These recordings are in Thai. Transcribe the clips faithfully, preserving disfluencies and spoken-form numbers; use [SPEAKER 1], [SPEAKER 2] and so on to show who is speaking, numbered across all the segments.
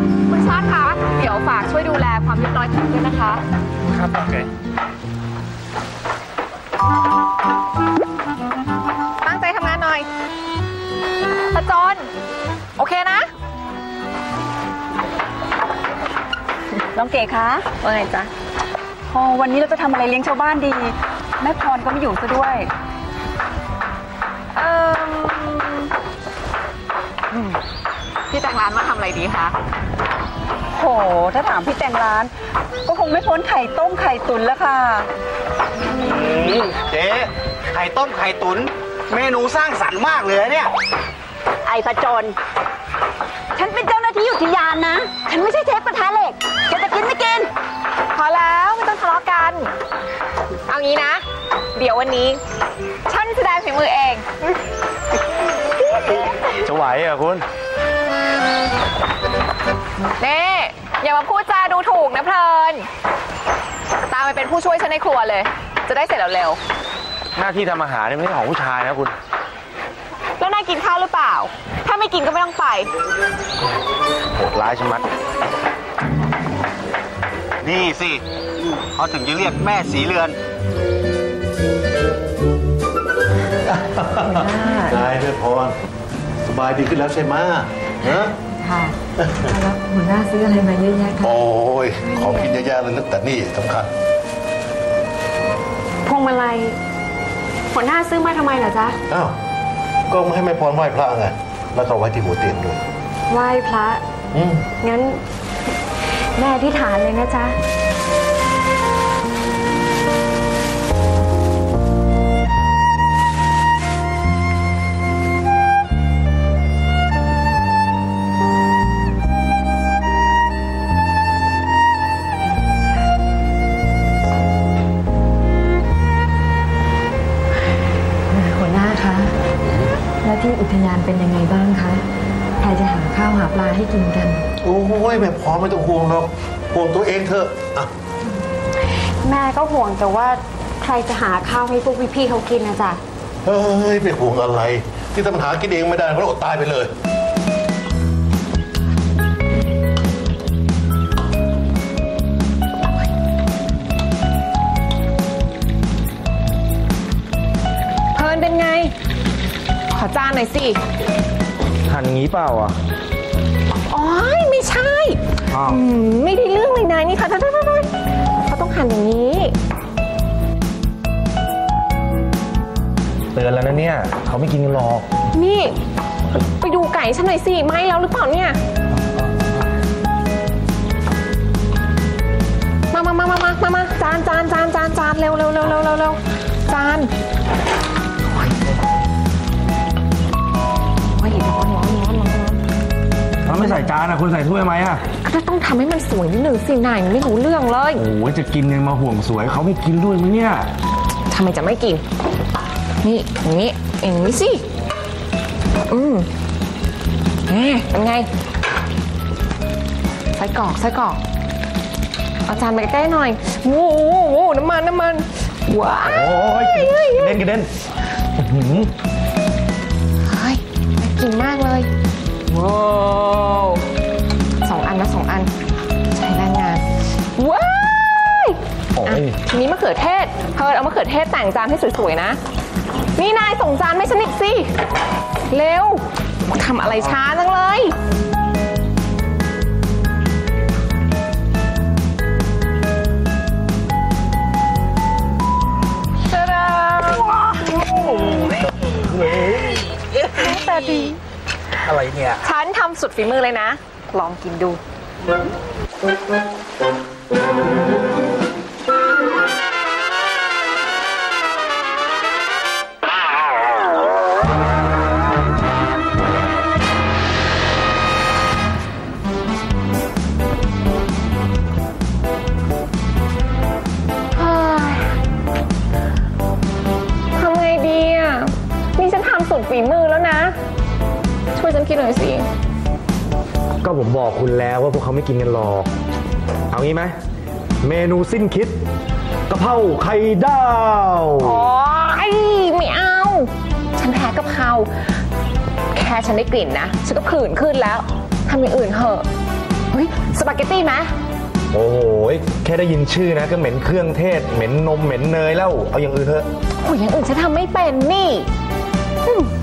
[SPEAKER 1] คุณชาติคะเดี๋ยวฝากช่วยดูแลความเรียบร้อยของด้วยนะคะครับโอเคตั้งใจทำงานหน่อยตาจอนโอเคนะ
[SPEAKER 2] น้องเก๋คะว่าไงจ๊ะพอวันนี้เราจะทำอะไรเลี้ยงชาวบ้านดีแม่พรก็ไม่อยู่ซะด้วย
[SPEAKER 1] เออพี่แต่งร้านมาทำอะไรดีคะ
[SPEAKER 2] โหถ้าถามพี่แต่งร้านก็คงไม่พ้นไข่ต้มไข่ตุ๋นแล้วค่ะ
[SPEAKER 3] เจ๊ไข่ต้มไข่ตุ๋นเมนูสร้างสรรค์มากเลยเนี่ย
[SPEAKER 2] ไอ้ผจญฉันเป็นเจ้าหน้าที่อุทยานนะฉันไม่ใช่เชฟกระทะเหล็กจะจะกินไม่กิน
[SPEAKER 1] พอแล้วไม่ต้องทะเลาะกันเอางี้นะเดี๋ยววันนี้ฉันแสดงฝีมือเอง
[SPEAKER 3] จะไหวเหรอคุณ
[SPEAKER 1] เน่อย่ามาพูดจาดูถูกนะเพลินตามไปเป็นผู้ช่วยฉันในครัวเลยจะได้เสร็จเร็ว
[SPEAKER 3] ๆหน้าที่ทำอาหารไม่ใช่ของผู้ชายนะคุณ
[SPEAKER 1] แล้วนายกินข้าวหรือเปล่าถ้าไม่กินก็ไม่ต้องไป
[SPEAKER 3] โหดร้ายชะมัดนี่สิเขาถึงจะเรียกแม่สีเรือน
[SPEAKER 4] นายด้วยพรสบายดีขึ้นแล้วใช่ไหมฮะ
[SPEAKER 5] ค่ะแล้วหัวหน้าซื้ออะไรมาเยอะแยะคะ
[SPEAKER 4] โอ้ยของกินเยอะแยะเลยนะแต่นี่สำคัญ
[SPEAKER 5] พวงมาลัยหัวหน้าซื้อมาทำไมเหรอจ๊ะ
[SPEAKER 4] อ้าวก็ไม่ให้แม่พรไหว้พระไงแล้วก็ไว้ที่หัวเตียงด้วย
[SPEAKER 5] ไหว้พระ
[SPEAKER 4] อืม
[SPEAKER 5] งั้นแม่อธิษฐานเลยนะจ๊ะที่อุทยานเป็นยังไงบ้างคะใครจะหาข้าวหาปลาให้กินกัน
[SPEAKER 4] โอ้ยแม่พรไม่ต้องห่วงหรอกห่วงตัวเองเถอะอะ
[SPEAKER 5] แม่ก็ห่วงแต่ว่าใครจะหาข้าวให้พวกพี่ๆเขากินนะจ๊ะ
[SPEAKER 4] เฮ้ยไปห่วงอะไรที่ทำหากินเองไม่ได้เพราะอดตายไปเลย
[SPEAKER 1] เพลินเป็นไงขอจานหน่อยสิ
[SPEAKER 3] หั่นงี้เปล่าอ่ะ
[SPEAKER 1] อ๋อไม่ใช่ไม่ได้เรื่องเลยนายนี่ค่ะท่านเขาต้องหั่นอย่างนี้
[SPEAKER 3] เตือนแล้วนะเนี่ยเขาไม่กินกันหรอก
[SPEAKER 1] นี่ไปดูไก่ฉันหน่อยสิไหมแล้วหรือเปล่าเนี่ยมามามามามามาจานจานจานจานจานเร็วเร็วเร็วเร็วเร็วเร็วจานร้อนร้อนร้อนร้อน
[SPEAKER 3] ถ้าไม่ใส่จานอ่ะคุณใส่ถ้วยไหมอ่ะ
[SPEAKER 1] ก็ต้องทำให้มันสวยนิดหนึ่งสินายมันไม่รู้เรื่องเลย
[SPEAKER 3] โอ้ยจะกินยังมาห่วงสวยเขาไม่กินด้วยมั้ยเนี่ย
[SPEAKER 1] ทำไมจะไม่กินนี่อย่างนี้อย่างนี้สิอืมแหมเป็นไงใส่กรอกใส่กรอกเอาจานมาใกล้ๆหน่อยโอ้โหน้ำมันน้ำมันว้าว
[SPEAKER 3] โอ้ยกระเด็นกระเด็น
[SPEAKER 1] กินมากเลยว้าวสองอันนะสองอันใช้แรงงานว้ายทีนี้มะเขือเทศเพิร์ดเอามะเขือเทศแต่งจานให้สวยๆนะนี่นายส่งจานให้ฉันอีกสิเร็วทำอะไรช้าจังเลยตาดาแต่ดี
[SPEAKER 3] อะไรเนี่ย
[SPEAKER 1] ฉันทำสุดฝีมือเลยนะลองกินดูทำไงดีอ่ะนี่ฉันทำสุดฝีมือแล้วนะช่วยฉันคิดหน่อยสิ
[SPEAKER 3] ก็ผมบอกคุณแล้วว่าพวกเขาไม่กินกันหรอกเอางี้ไหมเมนูสิ้นคิดกะเพราไข่ดาว
[SPEAKER 1] อ๋อไม่เอาฉันแพ้กะเพราแค่ฉันได้กลิ่นนะฉันก็ผื่นขึ้นแล้วทำอย่างอื่นเถอะเฮ้ยสปาเกตตี้ไหม
[SPEAKER 3] โอ้โหแค่ได้ยินชื่อนะก็เหม็นเครื่องเทศเหม็นนมเหม็นเนยแล้วเอาอย่างอื่นเถอะ
[SPEAKER 1] โอ้ยอย่างอื่นฉันทำไม่เป็นนี่อืม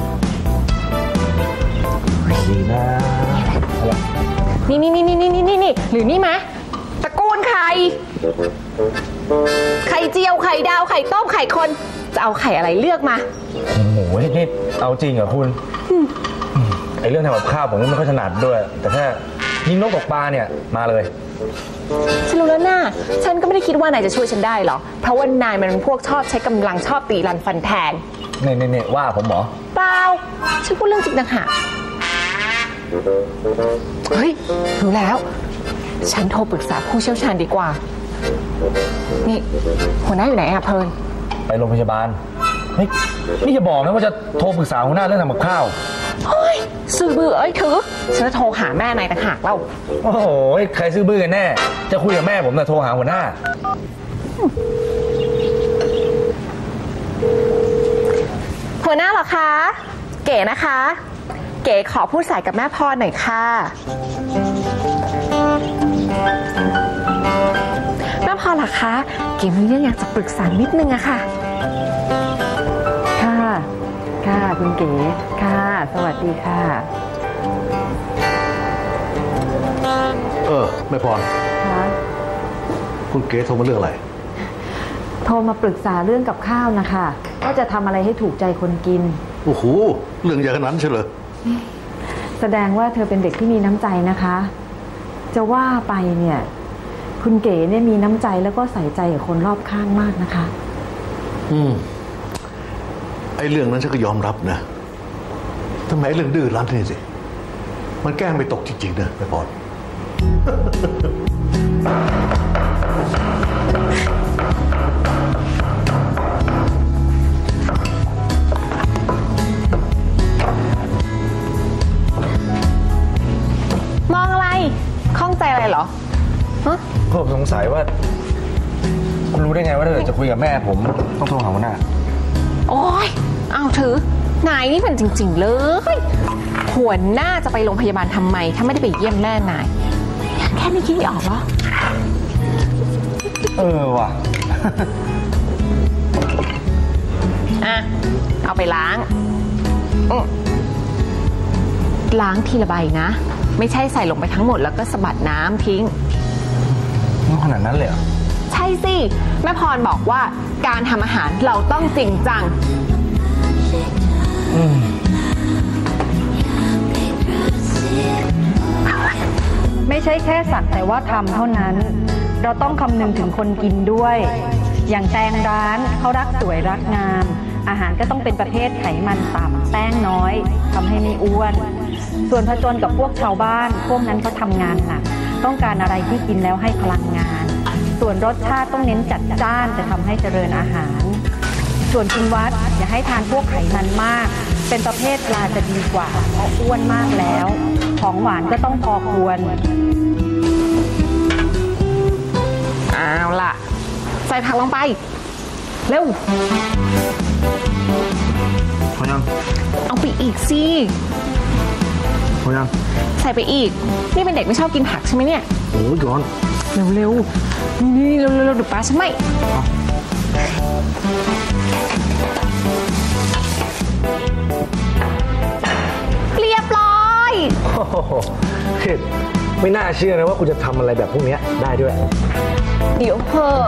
[SPEAKER 3] ดีนะ
[SPEAKER 1] นี่นี่นี่นี่นี่นี่นี่หรือนี่ไหมตระกูลไข่ไข่เจียวไข่ดาวไข่ต้มไข่คนจะเอาไข่อะไรเลือกมา
[SPEAKER 3] โอ้โหนี่เอาจริงเหรอคุณไอเรื่องทำกับข้าวผมไม่ค่อยถนัดด้วย แต่ถ้ายิงนกตกปลาเนี่ยมาเลย
[SPEAKER 1] ฉันรู้แล้วนะฉันก็ไม่ได้คิดว่านายจะช่วยฉันได้หรอกเพราะว่านายมันเป็นพวกชอบใช้กำลังชอบตีรันฟันแทง
[SPEAKER 3] เน่เน่เน่ว่าผมเหรอ
[SPEAKER 1] เปล่าฉันพูดเรื่องจริงต่างหากเฮ้ยรู้แล้วฉันโทรปรึกษาผู้เชี่ยวชาญดีกว่านี่หัวหน้าอยู่ไหนอะเพลิน
[SPEAKER 3] ไปโรงพยาบาลเฮ้ยนี่จะบอกนะว่าจะโทรปรึกษาหัวหน้าเรื่องทำกับข้าว
[SPEAKER 1] เฮ้ยสื่อบื้อเอ้ยถือฉันจะโทรหาแม่นายต่างหากเล่า
[SPEAKER 3] โอ้โหใครซื้อบื้อกันแน่จะคุยกับแม่ผมแต่โทรหาหัวหน้า
[SPEAKER 1] หัวหน้าเหรอคะเก๋นะคะ เก๋ขอพูดสายกับแม่พรหน่อยค่ะแม่พรเหรอคะเก๋มีเรื่องอยากจะปรึกษานิดนึงอะค่ะ
[SPEAKER 2] ค่ะ ค่ะคุณเก๋ค่ะ สวัสดีค่ะ
[SPEAKER 4] เออแม่พร
[SPEAKER 2] ค่ะ
[SPEAKER 4] คุณเก๋โทรมาเรื่องอะไร
[SPEAKER 2] โทรมาปรึกษาเรื่องกับข้าวนะคะว่าจะทำอะไรให้ถูกใจคนกิน
[SPEAKER 4] โอ้โหเรื่องใหญ่ขนาดนั้นใช่เหรอ
[SPEAKER 2] แสดงว่าเธอเป็นเด็กที่มีน้ำใจนะคะ จะว่าไปเนี่ย คุณเก๋เนี่ยมีน้ำใจแล้วก็ใส่ใจกับคนรอบข้างมากนะคะ
[SPEAKER 4] อืมไอ้เรื่องนั้นฉันก็ยอมรับนะทำไมไอ้เรื่องดื้อรั้นนี่สิมันแกล้งไม่ตกจริงๆนะแม่พร
[SPEAKER 1] มองอะไรข้องใจอะไรเหรอฮะ
[SPEAKER 3] ผมสงสัยว่า คุณรู้ได้ไงว่าถ้าเกิดจะคุยกับแม่ผมต้องโทรหาหัวหน้า
[SPEAKER 1] โอ้ยเอาถือนายนี่เป็นจริงๆเลยหัวหน้าจะไปโรงพยาบาลทำไมถ้าไม่ได้ไปเยี่ยมแม่นายแค่นี้คิดไม่ออกเหรอ
[SPEAKER 3] เออว่ะ
[SPEAKER 1] อ่ะเอาไปล้างอื้อล้างทีละใบนะ ไม่ใช่ใส่ลงไปทั้งหมดแล้วก็สะบัดน้ำทิ้ง
[SPEAKER 3] ขนาดนั้นเลยเหรอ
[SPEAKER 1] ใช่สิแม่พรบอกว่าการทำอาหารเราต้องจริงจัง
[SPEAKER 2] ไม่ใช่แค่สักแต่ว่าทำเท่านั้น เราต้องคำนึงถึงคนกินด้วย อย่างแตงร้านเขารักสวยรักงาม อาหารก็ต้องเป็นประเภทไขมันต่ำแป้งน้อยทำให้ไม่อ้วน ส่วนผจญกับพวกชาวบ้าน พวกนั้นเขาทำงานหนักต้องการอะไรที่กินแล้วให้พลังงาน ส่วนรสชาติต้องเน้นจัดจ้านจะทำให้เจริญอาหาร ส่วนคุณวัดอย่าให้ทานพวกไขมันมาก เป็นประเภทปลาจะดีกว่าเพราะอ้วนมากแล้ว ของหวานก็ต้องพอควร
[SPEAKER 1] เอาล่ะ ใส่ผักลงไป เร็ว
[SPEAKER 3] พอยัง
[SPEAKER 1] เอาไปอีกสิ
[SPEAKER 3] พอยัง
[SPEAKER 1] ใส่ไปอีก นี่เป็นเด็กไม่ชอบกินผักใช่ไหมเนี่ย
[SPEAKER 3] โอ้ยร้อน
[SPEAKER 1] เร็วๆนี่เร็วๆเดี๋ยวป้าฉันไม่เรียบร้อย
[SPEAKER 3] โอ้โหไม่น่าเชื่อนะว่าคุณจะทำอะไรแบบพวกนี้ได้ด้วย
[SPEAKER 1] เดี๋ยวเถอะ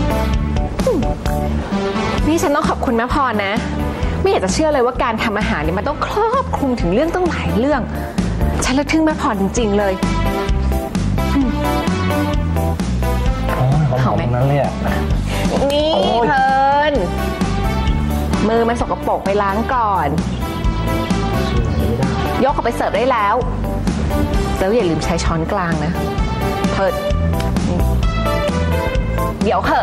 [SPEAKER 1] นี่ฉันต้องขอบคุณแม่พรนะ ไม่อยากจะเชื่อเลยว่าการทำอาหารเนี่ยมันต้องครอบคลุมถึงเรื่องต้องหลายเรื่อง ฉันละทึ่งแม่พรจริงๆเลย
[SPEAKER 3] หอมๆตรงนั้นเลยอ่ะ
[SPEAKER 1] นี่
[SPEAKER 3] โอ้ย
[SPEAKER 1] เพลินมือมันสกปรกไปล้างก่อน ยกออกไปเสิร์ฟได้แล้วแล้วอย่าลืมใช้ช้อนกลางนะเพิดเดี๋ยวเถอะ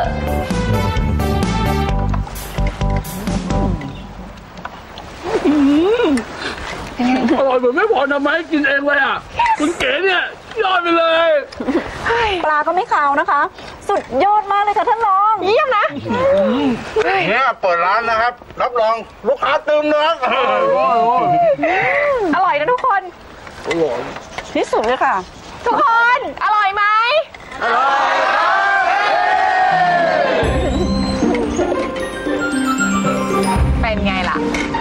[SPEAKER 6] อร่อยเหมือนไม่พอทำไมกินเองเลยอ่ะ คุณเก๋เนี่ยยอดไปเลย
[SPEAKER 2] ปลาก็ไม่ขาวนะคะ สุดยอดมากเลยค่ะท่านรอง
[SPEAKER 1] เยี่ยมนะ
[SPEAKER 4] เนี่ยเปิดร้านนะครับ รับรองลูกค้าเติมนะครับ
[SPEAKER 1] อร่อยนะทุกคน
[SPEAKER 2] ที่สุดเลยค่ะ
[SPEAKER 1] ทุกคน อร่อยไหมอร่อยเป็นไงล่ะ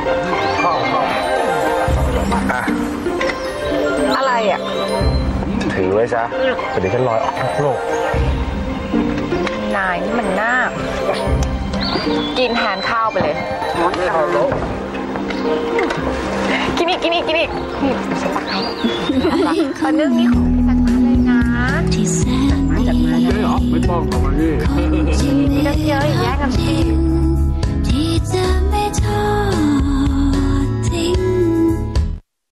[SPEAKER 1] อะไรอ่ะ
[SPEAKER 3] ถือไว้ซะเดี๋ยวฉันลอยออกนอกโลก
[SPEAKER 1] นายนี่มันน่ากินแทนข้าวไปเลย กินอีกกินอีกกินอีกนี่ฉันตักให้ปลานึ่งนี่ของ